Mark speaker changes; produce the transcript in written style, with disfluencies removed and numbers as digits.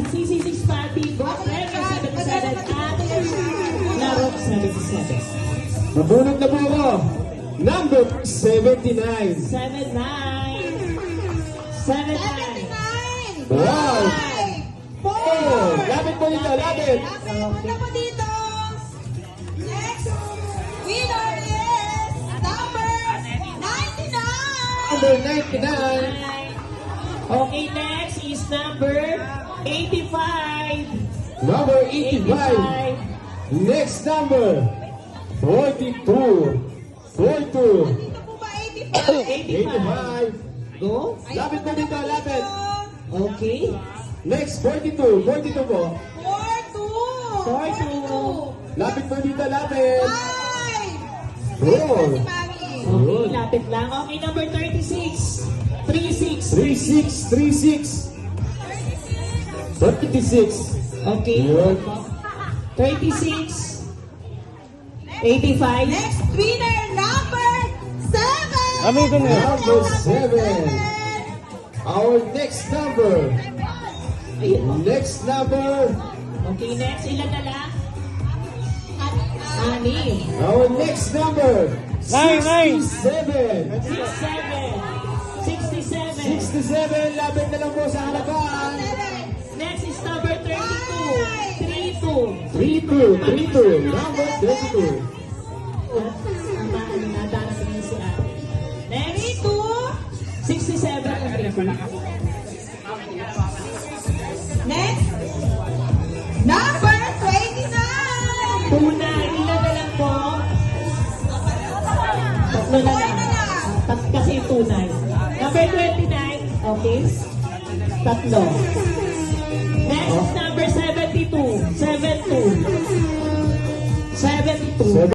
Speaker 1: CC6 Party, Boss Remy 77 at Larok 77.
Speaker 2: Mabunod na po ako. Number 79.
Speaker 1: 79. 79.
Speaker 2: Wow!
Speaker 3: 4.
Speaker 2: Lapit po dito, lapit.
Speaker 3: Lapit po dito. Next winner is number 99.
Speaker 2: Number 99.
Speaker 1: Okay, next is number 85.
Speaker 2: Number 85. Next number 42. 42.
Speaker 3: Dito po ba 85?
Speaker 1: 85. Go.
Speaker 2: Lapit po dito, lapit.
Speaker 1: Okay.
Speaker 2: Next, 42. 42 po.
Speaker 3: 42.
Speaker 2: Lapit po dito, lapit.
Speaker 3: 5.
Speaker 2: Four.
Speaker 3: Si Mami.
Speaker 1: Okay, lapit lang. Okay, number 36. 36.
Speaker 2: 36. 36.
Speaker 1: Okay.
Speaker 2: Yun.
Speaker 1: 36. 85.
Speaker 3: Next winner number 7.
Speaker 2: Number 7. Our next number.
Speaker 1: Ayun.
Speaker 2: Next number.
Speaker 1: Okay, next. Ilan na lang? Ani.
Speaker 2: Our next number. 67.
Speaker 1: 67.
Speaker 2: 67. Lapit na lang po sa harapan.
Speaker 1: Next is number 32. 32.
Speaker 2: 32. Number 32.
Speaker 1: Nadarating na si ate. Next,
Speaker 3: 32.
Speaker 1: 67.
Speaker 3: Next number 29.
Speaker 1: Tunay. Ilan na lang po? Tatlo na lang. Kasi tunay. Number 29. Okay. Tatlo. Next is number 72. 72. 72.